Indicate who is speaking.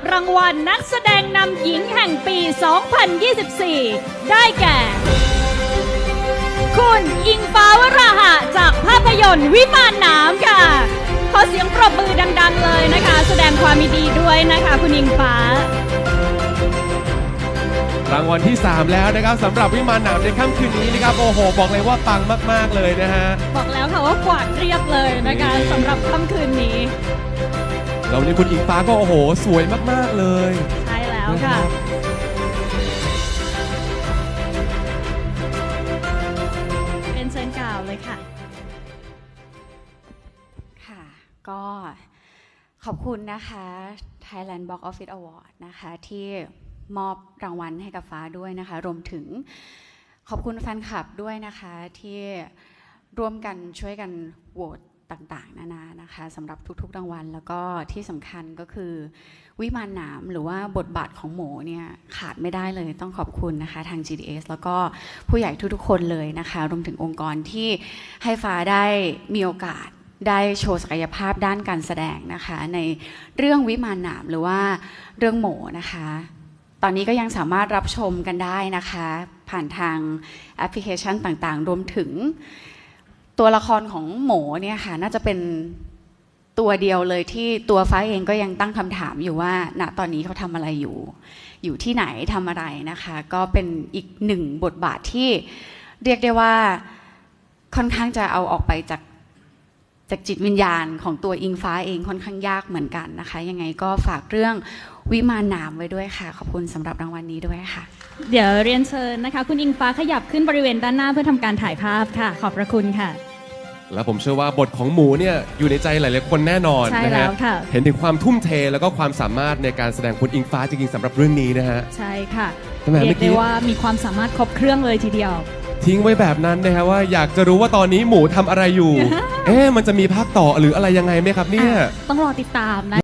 Speaker 1: รางวัลนักแสดงนำหญิงแห่งปี 2024 ได้แก่ คุณอิงฟ้าวราหะจากภาพยนตร์วิมานหนามค่ะ ขอเสียงปรบมือดังๆเลยนะคะ แสดงความยินดีด้วยนะคะคุณอิงฟ้าร
Speaker 2: างวัลที่ 3 แล้วนะครับสำหรับวิมานหนามในค่ำคืนนี้นะครับโอ้โหบอกเลยว่าปังมากๆเลยนะฮะ
Speaker 1: บอกแล้วค่ะว่ากวาดเรียบเลยนะคะสำหรับค่ำคืนนี้
Speaker 2: แล้ววันนี้คุณอิงฟ้าก็โอ้โหสวยมากๆเลย
Speaker 1: ใช่แล้วค่ะเป็นเชิญกล่าวเลยค่ะ
Speaker 3: ค่ะก็ขอบคุณนะคะ Thailand Box Office Award นะคะที่มอบรางวัลให้กับฟ้าด้วยนะคะรวมถึงขอบคุณแฟนคลับด้วยนะคะที่ร่วมกันช่วยกันโหวตต่างๆนานานะคะสำหรับทุกๆรางวัลแล้วก็ที่สำคัญก็คือวิมานหนามหรือว่าบทบาทของหมูเนี่ยขาดไม่ได้เลยต้องขอบคุณนะคะทาง GDS แล้วก็ผู้ใหญ่ทุกๆคนเลยนะคะรวมถึงองค์กรที่ให้ฟ้าได้มีโอกาสได้โชว์ศักยภาพด้านการแสดงนะคะในเรื่องวิมานหนามหรือว่าเรื่องหมูนะคะตอนนี้ก็ยังสามารถรับชมกันได้นะคะผ่านทางแอปพลิเคชันต่างๆรวมถึงตัวละครของหมูเนี่ยค่ะน่าจะเป็นตัวเดียวเลยที่ตัวฟ้าเองก็ยังตั้งคำถามอยู่ว่าณตอนนี้เขาทำอะไรอยู่ที่ไหนทำอะไรนะคะก็เป็นอีกหนึ่งบทบาทที่เรียกได้ว่าค่อนข้างจะเอาออกไปจากจิตวิญญาณของตัวอิงฟ้าเองค่อนข้างยากเหมือนกันนะคะยังไงก็ฝากเรื่องวิมานหนามไว้ด้วยค่ะขอบคุณสำหรับรางวัลนี้ด้วยค่ะ
Speaker 1: เดี๋ยวเรียนเชิญนะคะคุณอิงฟ้าขยับขึ้นบริเวณด้านหน้าเพื่อทำการถ่ายภาพค่ะขอบพระคุณค่ะ
Speaker 2: แล้วผมเชื่อว่าบทของหมูเนี่ยอยู่ในใจหลายๆคนแน่นอน
Speaker 1: ใช่แล้วค่ะ
Speaker 2: เห็นถึงความทุ่มเทแล้วก็ความสามารถในการแสดงคุณอิงฟ้าจริงๆสำหรับเรื่องนี้นะฮะ
Speaker 1: ใช่ค่ะเรียกได้ว่ามีความสามารถครบเครื่องเลยทีเดียว
Speaker 2: ทิ้งไว้แบบนั้นนะฮะว่าอยากจะรู้ว่าตอนนี้หมูทำอะไรอยู่ มันจะมีภาคต่อหรืออะไรยังไงไหมครับเนี่ย
Speaker 1: ต้องรอติดตามนะ